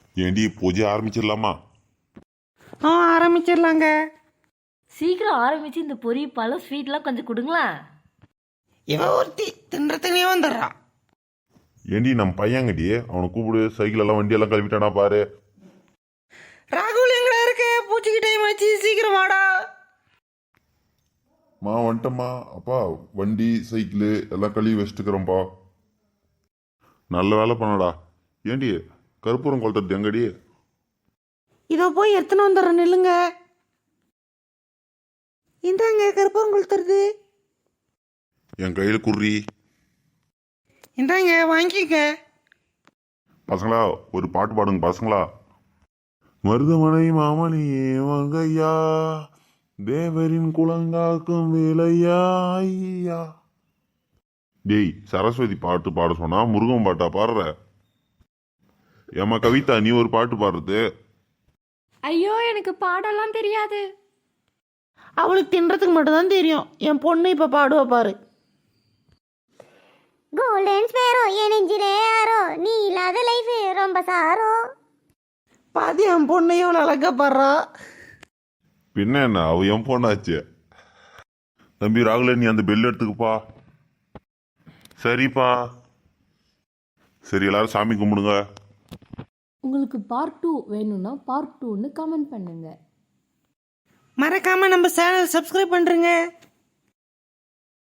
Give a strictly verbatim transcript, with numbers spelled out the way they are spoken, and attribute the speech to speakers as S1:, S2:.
S1: ஏண்டி பூஜை ஆரம்பிச்சிடலாமா?
S2: ஆ ஆரம்பிச்சிடலாங்க.
S3: சீக்கிரம் ஆரம்பிச்சு இந்த பொரி பழம் ஸ்வீட்லாம் கொஞ்சம் கொடுங்களேன்.
S2: இவ ஒருத்தி தின்றதுனே வந்துடுறா.
S1: ஏண்டி நம்ம பையன்கடி, அவனை கூப்பிடு. சைக்கிள் எல்லாம் வண்டி எல்லாம் கழுவிட்டானா பாரு.
S2: ராகுல் எங்கடா இருக்க? பூச்சிக்கு டைம் ஆச்சு, சீக்கிரம் வாடா.
S1: மா வந்துட்டம்மா. அப்பா வண்டி சைக்கிள் எல்லாம் கழுவி வச்சுட்டுக்கிறோம்ப்பா. நல்ல வேலை பண்ணடா. ஏண்டி கற்பூரம் கொளுத்துறது எங்கடி?
S2: இதோ போய் எடுத்துன்னு வந்துடுறேன், நில்லுங்க. இந்தாங்க கருப்பம் கொளுத்துறது.
S1: என் கையில் குறி.
S2: இந்தாங்க வாங்கிக்க.
S1: பசங்களா ஒரு பாட்டு பாடுங்க பசங்களா. மருதமனை மாமணியே வங்கையா, தேவரின் குலங்காக்கும் வேலையா ஐயா. டேய் சரஸ்வதி பாட்டு பாட சொன்னா முருகன் பாட்டா பாடுற? ஏமா கவிதா நீ ஒரு பாட்டு பாடுறது?
S4: ஐயோ எனக்கு பாடலாம் தெரியாது.
S2: அவளுக்கு தின்றதுக்கு மட்டும்தான் தெரியும். என் பொண்ணு இப்ப பாடுவா பாரு.
S5: கோல்டன் ஸ்பேரோ எனஞ்சிரே ஆரோ, நீ இல்லாத லைஃப் ரொம்ப சாரோ.
S2: பாதி என் பொண்ணு எவ்வளவு அழகா பாடுறா.
S1: பின்ன என்ன, அவ என் பொண்ணாச்சு. தம்பி ராகுல நீ அந்த பெல் எடுத்துக்குப்பா. சரிப்பா. சரி எல்லாரும் சாமி கும்பிடுங்க.
S4: உங்களுக்கு பார்ட் டூ வேணும்னா பார்ட் டூன்னு கமெண்ட் பண்ணுங்க.
S2: மறக்காம நம்ம சேனல் சப்ஸ்கிரைப் பண்றேங்க.